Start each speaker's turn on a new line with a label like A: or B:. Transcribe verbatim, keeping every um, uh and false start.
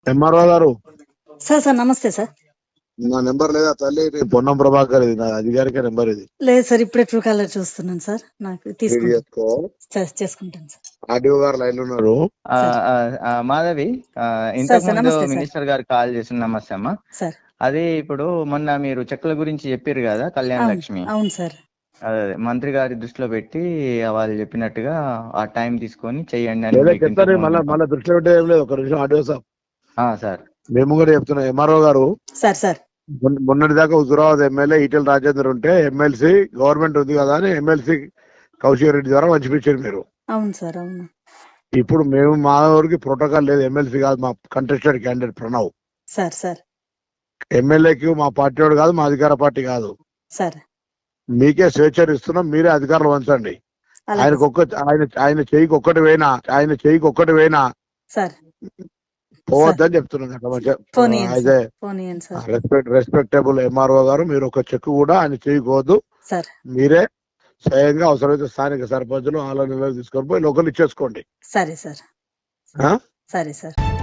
A: MRO గారు,
B: sir sir నమస్తే sir.
A: నా నెంబర్ లేదా తల్లి? ఇది పొన్నం ప్రభాకర్, ఇది నా అధికారిక నెంబర్. ఇది
B: లేదు సార్, ఇప్పుడే ట్రూ కాలర్ చూస్తున్నాను సార్. నాకు
A: రీడ్
B: తీసుకుంటాను
A: చేసుకో.
B: సార్, చేసుకుంటాను సార్.
A: ఆర్డీఓ గారు లైన్ లో ఉన్నారు.
C: ఆ,
B: సార్.
C: ఆ, ఆ, మాధవి, ఆ,
B: సార్
C: ఇంతకు
B: సార్
C: ముందు
B: నమస్తే సార్.
C: మినిస్టర్ గారు కాల్ చేసిన నమస్తే అమ్మా.
B: సార్
C: అది ఇప్పుడు మొన్న మీరు చెక్కుల గురించి చెప్పారు కదా, కళ్యాణ్
B: అవును
C: లక్ష్మి.
B: అవును సార్.
C: అదే అదే, మంత్రి గారి దృష్టిలో పెట్టి వాళ్ళు చెప్పినట్టుగా ఆ టైం తీసుకొని చెయ్యండి అని
A: లేదా
C: మీకు
A: చెప్తాను.
C: ఇంతకు
A: మళ్ళీ
C: ముందు
A: మళ్ళీ దృష్టిలో పెట్టే ఏం లేదు. ఒక నిమిషం ఆర్డీఓ సాబ్,
C: ఆ, సార్
A: మేము కూడా చెప్తున్నాం. ఎంఆర్ఓ గారు,
B: సార్ సార్
A: మొన్న- మొన్నటి దాకా హుజురాబాద్ ఎమ్మెల్యే ఈటెల రాజేందర్ ఉంటే ఎమ్మెల్సీ గవర్నమెంట్ ఉంది కదా అని ఎమ్మెల్సీ కౌశిక్ రెడ్డి ద్వారా పంచిపించారు మీరు.
B: అవును సార్ అవును.
A: ఇప్పుడు మేము మా ఊరికి ప్రోటోకాల్ లేదు. ఎమ్మెల్సీ కాదు, మా contested candidate Pranav.
B: Sir sir
A: ఎమ్మెల్యేకి మా పార్టీ వాడు కాదు, మా అధికార పార్టీ కాదు.
B: సార్
A: మీకే స్వేచ్ఛ ఇస్తున్నాం, మీరే అధికారులు వంచండి.
B: అలాగే
A: ఆయనకు ఒక్క ఆయన ఆయన చెయ్యికి ఒక్కటి వేయినా ఆయన చెయ్యికి ఒక్కటి వేయినా
B: సార్.
A: పోవద్దని చెప్తున్నాను.
B: ఫోన్ ఇయ్యండి
A: అయితే
B: సార్, ఫోన్ ఇయ్యండి సార్.
A: రెస్పెక్ట్ రెస్పెక్టబుల్ ఎంఆర్ఓ గారు, మీరు ఒక చెక్ కూడా ఆయన చేయకూడదు.
B: సార్
A: మీరే స్వయంగా అవసరమైతే స్థానిక సర్పంచులు వాళ్ళ నిర్ణయం తీసుకొని పోయి లోకల్ ఇచ్చేసుకోండి.
B: సరే సార్.
A: ఆ?
B: సరే సార్.